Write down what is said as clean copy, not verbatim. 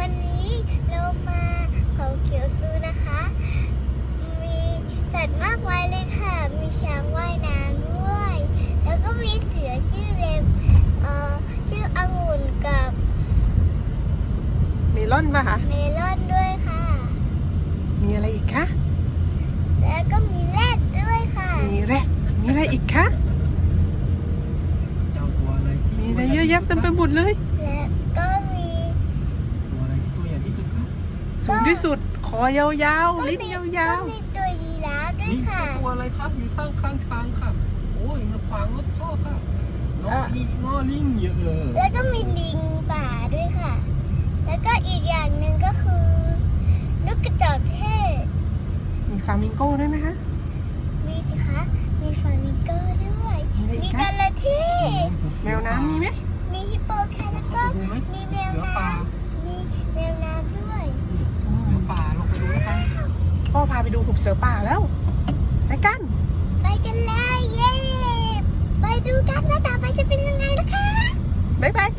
วันนี้เรามาเขาเขียวซูนะคะ มีสัตว์มากมายเลยค่ะ มีช้างว่ายน้ำด้วย แล้วก็มีเสือชื่อชื่อองุ่นกับเมลอนป่ะคะเมลอนด้วยค่ะมีอะไรอีกคะแล้วก็มีแรดด้วยค่ะมีแรดมีอะไรอีกคะเจ้าตัวอะไรที่มีอะไรเยอะแยะเต็มไปหมดเลยและก็มีตัวอะไรที่ตัวใหญ่ที่สุดครับสูงที่สุด คอยาวๆ ลิ้นยาวก็มีตัวยีราฟด้วยนี่ค่ะตัวอะไรครับอยู่ข้างทางค่ะโอ้ยมันขวางรถพ่อค่ะง้อลิงเยอะเลยแล้วก็มีลิงป่าด้วยค่ะ แล้วก็อีกอย่างหนึ่งก็คือนกกระจอกเทศๆ มีฟลามิงโก้ด้วยไหมคะมีสิคะ มีฟลามิงโก้ด้วยมีอะไรอีมีกคะจระเข้แมวน้ำมีไหมมีฮิปโปแคทแล้วก็เข้าไปดูไหมมีแมวเสือป่าน้ำมีแมวน้ำด้วยเสือป่าลงไปดูนะคะพ่อพาไปดูหุบเสือป่าแล้ว ไปกันไปกันเลยเย้ ไปดูกันว่าต่อไปจะเป็นยังไงนะคะบ๊ายบาย